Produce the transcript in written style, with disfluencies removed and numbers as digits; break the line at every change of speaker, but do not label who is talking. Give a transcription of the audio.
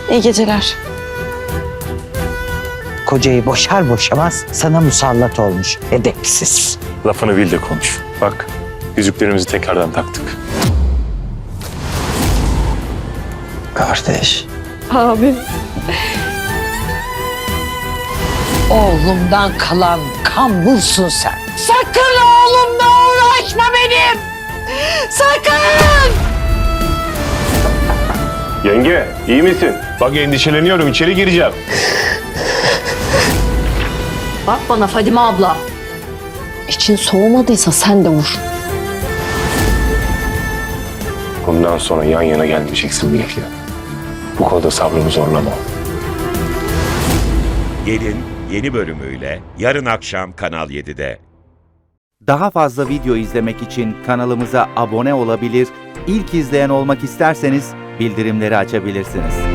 İyi geceler.
Kocayı boşar boşamaz sana musallat olmuş. Edepsiz.
Lafını bil de konuş. Bak, yüzüklerimizi tekrardan taktık.
Kardeş.
Abi.
Oğlumdan kalan kambulsun sen. Sakın oğlumla uğraşma benim. Sakın!
Yenge, iyi misin? Bak endişeleniyorum, içeri gireceğim.
Bak bana Fadime abla.
İçin soğumadıysa sen de vur.
Bundan sonra yan yana gelmeyeceksin Melek'le. Bu konuda sabrımı zorlama.
Gelin yeni bölümüyle yarın akşam Kanal 7'de.
Daha fazla video izlemek için kanalımıza abone olabilir, ilk izleyen olmak isterseniz bildirimleri açabilirsiniz.